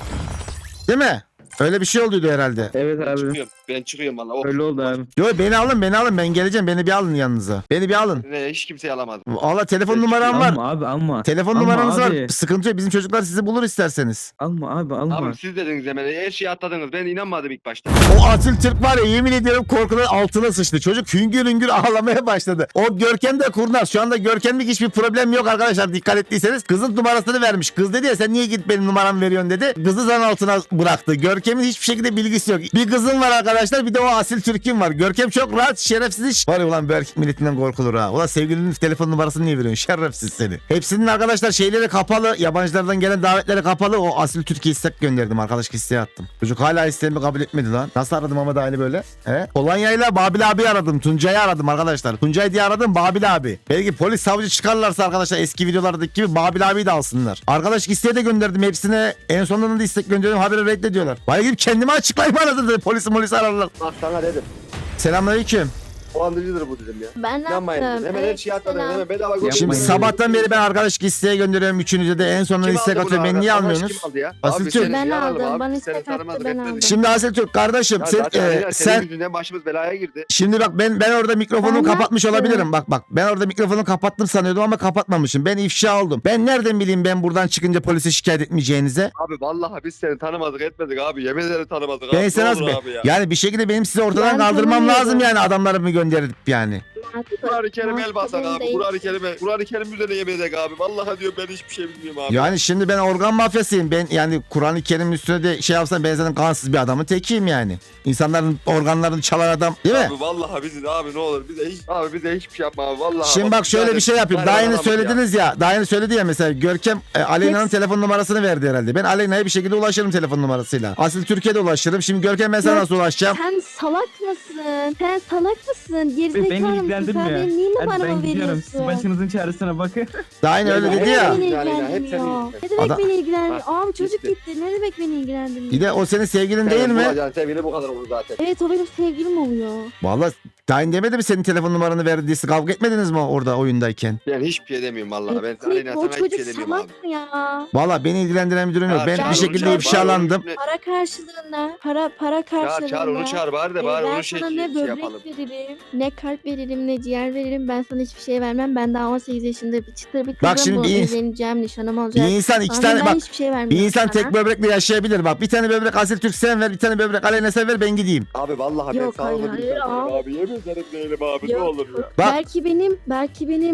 S1: Değil mi? Öyle bir şey olduydu herhalde.
S4: Evet
S2: Ben çıkıyorum. Ben çıkıyorum vallahi. Oh.
S4: Öyle oldu abi.
S1: Yo beni alın ben geleceğim beni bir alın yanınıza. Beni bir alın.
S2: Ne hiç kimseyi alamadım.
S1: Valla telefon
S2: Ben
S1: numaram var.
S5: Alma abi alma.
S1: Telefon
S5: Alma
S1: numaranız var.
S5: abi.
S1: Sıkıntı yok. Bizim çocuklar sizi bulur isterseniz.
S5: Alma abi alma.
S2: Abi siz dediniz hemen her şeyi atladınız. Ben inanmadım ilk başta.
S1: O Atil Türk var ya yemin ediyorum korkudan altına sıçtı. Çocuk hüngür hüngür ağlamaya başladı. O Görkem de kurnaz. Şu anda Görkem'lik hiçbir problem yok arkadaşlar dikkat ettiyseniz. Kızın numarasını vermiş. Kız dedi ya sen niye gidip benim numaramı veriyorsun dedi. Kızı zan altına bıraktı. Görkem'in hiçbir şekilde bilgisi yok. Bir kızın var arkadaşlar bir de o Asil Türk'ün var. Görkem çok rahat şerefsiz iş. Var ya ulan bu erkek milletinden korkulur ha. Ulan sevgilinin telefon numarasını niye veriyorsun? Şerefsiz seni. Hepsinin arkadaşlar şeyleri kapalı. Yabancılardan gelen davetleri kapalı. O Asil Türk'e istek gönderdim. Arkadaş isteği attım. Çocuk hala isteğimi kabul etmedi lan. Nasıl aradım ama da aynı böyle. Polonya'yla Babil abi aradım. Tuncay'ı aradım arkadaşlar. Tuncay diye aradım Babil abi. Belki polis savcı çıkarlarsa arkadaşlar eski videolardaki gibi Babil abiyi de alsınlar. Arkadaş isteği de gönderdim hepsine. En sonunda da istek gönderdim. Haberi reddediyorlar. Bana gidip kendime açıklayayım arasın dedi. Polisi ararlar.
S2: Bak sana dedim.
S1: Selamünaleyküm.
S2: O andırıcıdır bu dedim ya.
S3: Ben ne
S2: İnanmayın dedim.
S3: yaptım?
S2: Hemen her şeyi atladın. Hemen bedava götürdün.
S1: Şimdi
S5: Yapmayın.
S1: sabahtan beri ben arkadaş isteği gönderiyorum üçünüze de en sonunda
S2: Kim
S1: istek
S2: aldı bunu
S1: atıyorum. Beni
S2: abi?
S1: niye
S2: Arkadaş
S1: almıyorsunuz?
S2: kim aldı ya?
S1: Asil
S2: Abi
S1: Türk.
S2: seni
S3: Ben
S2: yaralım
S3: aldım,
S2: abi.
S3: bana
S2: Seni
S3: istek attı,
S2: tanımadık,
S3: ben
S2: etmedik.
S3: aldım.
S1: Şimdi Asil Türk kardeşim
S2: Ya
S1: sen,
S2: zaten Aleyna, senin
S1: sen
S2: yüzünden başımız belaya girdi.
S1: şimdi bak ben orada mikrofonu
S3: Ben
S1: kapatmış
S3: yaptım.
S1: olabilirim. Bak ben orada mikrofonu kapattım sanıyordum ama kapatmamışım. Ben ifşa oldum. Ben nereden bileyim ben buradan çıkınca polise şikayet etmeyeceğinize?
S2: Abi vallahi biz seni tanımadık etmedik abi. Yemin ederim tanımadık
S1: Ben
S2: abi.
S1: size
S2: Ne
S1: nasıl
S2: olur
S1: be?
S2: abi ya.
S1: Yani bir şekilde benim sizi ortadan
S3: Ben
S1: kaldırmam
S3: tanımıyorum.
S1: lazım yani adamlarımı gönderip yani.
S2: Kur'an-ı Kerim el basak
S3: Mahkum
S2: abi.
S3: değil.
S2: Kur'an-ı Kerim üzerine yemin edek abi. Vallahi diyor ben hiçbir şey bilmiyorum abi.
S1: Yani şimdi ben organ mafyasıyım. Ben yani Kur'an-ı Kerim'in üstüne de şey yapsam ben zaten kansız bir adamın tekiyim yani. İnsanların organlarını çalan adam değil mi?
S2: Abi vallahi bizi abi ne olur bize hiçbir şey yapma abi vallahi.
S1: Şimdi bak şöyle bir şey yapayım. Daha yeni söylediniz ya. Daha yeni söyledi ya mesela Görkem Aleyna'nın telefon numarasını verdi herhalde. Ben Aleyna'ya bir şekilde ulaşırım telefon numarasıyla. Asil Türkiye'de ulaşırım. Şimdi Görkem ben sana nasıl ulaşacağım?
S3: Sen salak mısın? Sen salak mısın? Gerizekalı
S5: Beni
S3: mısın?
S5: ilgilendirmiyor.
S3: Sen benim niye
S5: Hadi ben
S3: numaramı
S5: gidiyorum. Siz
S3: veriyorsun?
S5: başınızın çaresine bakın.
S1: Daha yeni öyle dedi ya.
S3: Beni
S2: Yani hep
S3: ilgilendirmiyor.
S2: seni
S3: Ne demek
S1: Adam-
S3: beni ilgilendirmiyor?
S2: Ha,
S3: Abi çocuk
S2: gitti.
S3: gitti. Ne demek beni ilgilendirmiyor?
S1: Bir de o senin sevgilin değil mi?
S2: Sevgili bu kadar olur zaten.
S3: Evet o benim sevgilim oluyor.
S1: Vallahi daha yeni demedi mi senin telefon numaranı verdi diye kavga etmediniz mi orada oyundayken?
S2: Ben hiçbir şey demiyorum vallahi. Ben
S3: Evet,
S2: Aleyna
S3: o
S2: sana hiçbir
S3: çocuk
S2: şey demiyorum abi.
S3: salak mı ya?
S1: Vallahi beni ilgilendiren bir durum yok. Ben
S3: çağır
S1: bir
S3: onu,
S1: şekilde
S3: çağır,
S1: ifşalandım.
S3: Para karşılığında, para karşılığında.
S2: Çağır onu çağır bari de bari
S3: ben
S2: onu
S3: sana ne
S2: şey
S3: böbrek
S2: yapalım.
S3: veririm, ne kalp veririm, ne ciğer veririm. Ben sana hiçbir şey vermem. Ben daha 18 yaşında bir çıtır bir kızım.
S1: Bak şimdi
S3: bu.
S1: bir-
S3: Evleneceğim, nişanım
S1: Bir
S3: olacak.
S1: insan iki
S3: Sana
S1: tane
S3: ben
S1: bak
S3: hiçbir şey
S1: bir
S3: vermiyorum
S1: insan
S3: sana.
S1: tek böbrekle yaşayabilir bak. Bir tane böbrek Asil Türk sen ver, bir tane böbrek Aleyna sen ver ben gideyim.
S2: Abi vallahi
S3: Yok,
S2: ben sağlıklı
S3: hayır,
S2: bir insanım
S3: hayır,
S2: abi. Yemin ederim değilim abi ne
S3: Yok.
S2: olur ya.
S1: Bak-
S3: Belki benim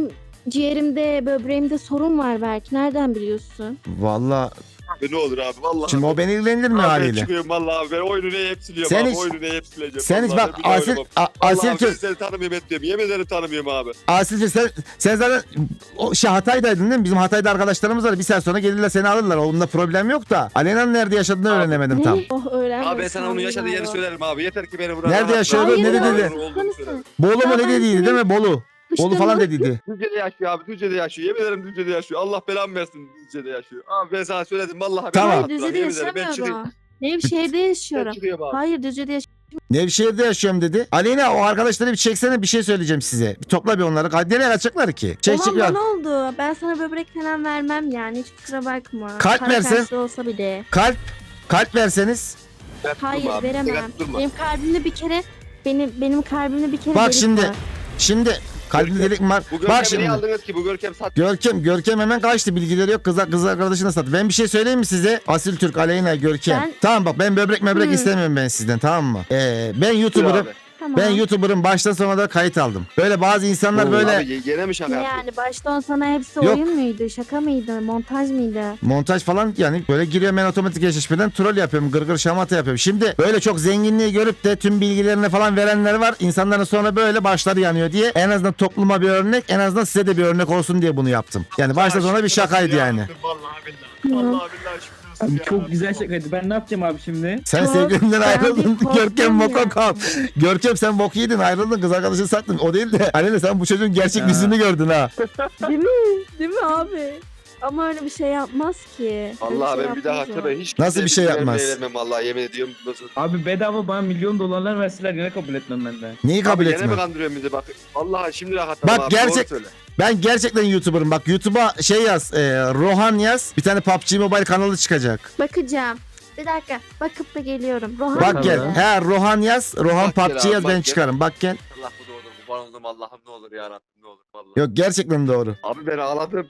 S3: ciğerimde, böbreğimde sorun var belki. Nereden biliyorsun?
S1: Vallahi
S2: Abi ne olur abi vallahi.
S1: şimdi o beni ilgilendirir mi
S2: Abi ben
S1: haliyle?
S2: çıkıyorum vallahi abi. Ben oyunu neye hep siliyorum
S1: Sen
S2: abi.
S1: hiç-
S2: Oyunu neye hep sileceğim.
S1: Sen hiç
S2: Vallahi
S1: bak
S2: ben bir daha
S1: Asil,
S2: oynamam.
S1: Asil
S2: Vallahi abi ben
S1: Türk.
S2: seni tanımıyorum etmiyorum. Yemin ederim tanımıyorum abi.
S1: Asil Türk sen zaten o Hatay'daydın değil mi? Bizim Hatay'da arkadaşlarımız var. Bir saat sonra gelirler seni alırlar. Onda problem yok da. Alena'nın nerede yaşadığını
S2: Abi.
S1: öğrenemedim tam.
S3: Oh öğrenmedim.
S2: Abi ben sana onun yaşadığı yeri söylerim abi. Yeter ki beni buraya
S1: Nerede
S2: rahat bırak.
S1: yaşıyor?
S3: Hayır
S1: Ne
S3: ya,
S1: dedi?
S2: Olduğunu söylerim.
S1: Bolu mu
S3: Ya
S1: ne
S3: ben
S1: dediydi
S3: seni-
S1: değil mi? Bolu. Bolu falan dediydi.
S2: Düzce'de yaşıyor abi. Düzce'de yaşıyor. Yemin ederim Düzce'de yaşıyor. Allah belamı versin Düzce'de yaşıyor. Abi ben sana söyledim. Vallahi
S1: Tamam.
S3: Hayır
S2: rahat bırak.
S3: Düzce'de
S2: Yemin ederim ben çıkayım.
S3: yaşamıyorum. Nevşehir'de yaşıyorum.
S2: Ben çıkıyorum abi.
S3: Hayır Düzce'de yaşıyorum.
S1: Nevşehir'de yaşıyorum dedi. Aleyna o arkadaşları bir çeksene, bir şey söyleyeceğim size. Bir topla bir onları. Hadi nereye kaçacaklar ki? Çek çek
S3: Olan
S1: ya.
S3: bana oldu. Ben sana böbrek falan vermem yani. Hiç kusura bakma.
S1: Kalp
S3: Para
S1: versen-
S3: karşılığı olsa bile.
S1: Kalp verseniz.
S2: Ben
S3: Hayır
S2: durma abi.
S3: veremem.
S2: Ben durma.
S3: Benim kalbimde bir kere benim kalbimde bir kere
S1: Bak
S3: delik
S1: şimdi.
S3: var.
S1: Şimdi kalbinde delik mi var?
S2: Bu
S1: Bak
S2: Görkem'i
S1: şimdi.
S2: niye aldınız ki? Bu Görkem sat.
S1: Görkem hemen kaçtı, bilgileri yok, kız arkadaşına sattı. Ben bir şey söyleyeyim mi size? Asil Türk, Aleyna, Görkem.
S3: Ben-
S1: Tamam bak, ben böbrek
S3: Hı.
S1: istemiyorum ben sizden, tamam mı? Ben
S2: Dur
S1: YouTuber'ım.
S2: abi.
S3: Tamam.
S1: Ben YouTuber'ım, baştan sona da kayıt aldım. Böyle bazı insanlar
S2: Oo,
S1: böyle
S2: Abi gene mi şaka
S3: Ne
S2: yapıyorsun?
S3: yani baştan sana hepsi
S1: Yok.
S3: oyun muydu? Şaka mıydı? Montaj mıydı?
S1: montaj falan, yani böyle giriyorum ben otomatik eşleşmeden troll yapıyorum, gırgır şamata yapıyorum. Şimdi böyle çok zenginliği görüp de tüm bilgilerini falan verenler var. İnsanların sonra böyle başları yanıyor diye, en azından topluma bir örnek, en azından size de bir örnek olsun diye bunu yaptım. Yani başta sona bir şakaydı yani.
S2: Vallahi billahi. Vallahi billahi şükür olsun
S5: Abi
S2: ya.
S5: çok güzel şakaydı. Ben ne yapacağım abi şimdi?
S1: Sen
S3: Çok
S1: sevgilinden
S3: ben
S1: ayrıldın.
S3: bir korktum
S1: Görkem
S3: ya.
S1: Mokokop. Görkem sen bok yedin, ayrıldın, kız arkadaşını sattın. O değil de Aleyna, sen bu çocuğun gerçek
S5: Ya.
S1: yüzünü gördün ha.
S3: Değil mi? Değil mi abi? Ama öyle bir şey yapmaz ki. Öyle
S2: Vallahi
S3: şey
S2: ben bir daha
S3: yapmaz o.
S2: hatırla hiç
S1: Nasıl bir şey yapmaz?
S2: Vermem vallahi yemin ediyorum. Nasıl?
S5: Abi bedava bana milyon dolarlar verseler yine kabul etmem ben de.
S1: Neyi kabul
S2: Abi gene mi
S1: etme?
S2: kandırıyorsun bizi bak. Vallahi şimdi rahatladım
S1: Bak
S2: abi.
S1: gerçek-
S2: Doğru söyle.
S1: Ben gerçekten YouTuber'ım. Bak YouTube'a şey yaz. Rohan yaz. Bir tane PUBG Mobile kanalı çıkacak.
S3: Bakacağım. Bir dakika. Bakıp da geliyorum. Rohan
S1: Bak
S5: Tamam.
S1: gel. He Rohan yaz. Rohan
S2: Bak gel
S1: PUBG
S2: abi,
S1: yaz,
S2: bak
S1: ben
S2: gel.
S1: çıkarım. Bak gel.
S2: Allah bu doğru. Kurban oldum Allah'ım ne olur ya Rabbim ne olur vallahi.
S1: Yok, gerçekten doğru.
S2: Abi ben ağladım.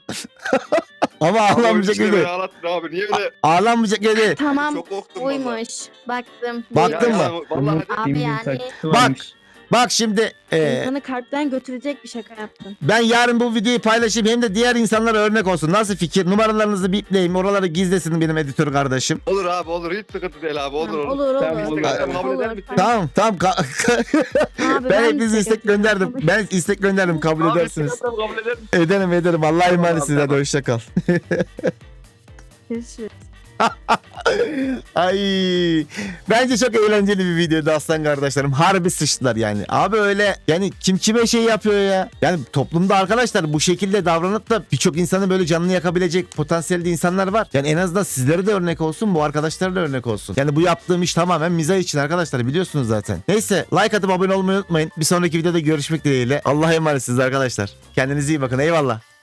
S1: Ama
S2: Abi
S1: ağlanmayacak
S2: işte
S1: gibi.
S2: beni ağlattın abi. Niye öyle?
S1: Ağlanmayacak gibi.
S3: Tamam.
S2: Çok korktum vallahi.
S3: Buymuş. Baktım.
S1: Baktın
S3: buymuş.
S1: mı?
S2: Vallahi
S3: Abi yani
S1: Bak. Bak şimdi
S3: insanı kalpten götürecek bir şaka yaptın.
S1: ben yarın bu videoyu paylaşayım, hem de diğer insanlara örnek olsun. Nasıl fikir? Numaralarınızı bipleyeyim. Oraları gizlesin benim editör kardeşim.
S2: olur abi olur. Hiç sıkıntı değil abi. Olur
S3: Tamam,
S2: olur.
S3: olur
S5: Tamam,
S3: olur.
S5: olur.
S2: Kabul eder misin?
S1: Tamam.
S3: Abi,
S1: Ben
S3: de
S1: hepinize istek
S3: yapıyorum.
S1: gönderdim. Ben istek gönderdim, kabul
S2: Abi
S1: edersiniz.
S2: kabul eder misin?
S1: Ederim. Allah'a emanet
S2: Tamam,
S1: size de,
S2: tamam.
S1: hoşça kal.
S3: Görüşürüz.
S1: Ay, bence çok eğlenceli bir videoydu aslan kardeşlerim. Harbi sıçtılar yani. Abi öyle yani, kim kime şey yapıyor ya. Yani toplumda arkadaşlar bu şekilde davranıp da birçok insanı böyle canını yakabilecek potansiyelde insanlar var. Yani en azından sizlere de örnek olsun, bu arkadaşlara da örnek olsun. Yani bu yaptığım iş tamamen mizah için arkadaşlar, biliyorsunuz zaten. Neyse, like atıp abone olmayı unutmayın. Bir sonraki videoda görüşmek dileğiyle. Allah'a emanetsiniz arkadaşlar. Kendinize iyi bakın, eyvallah.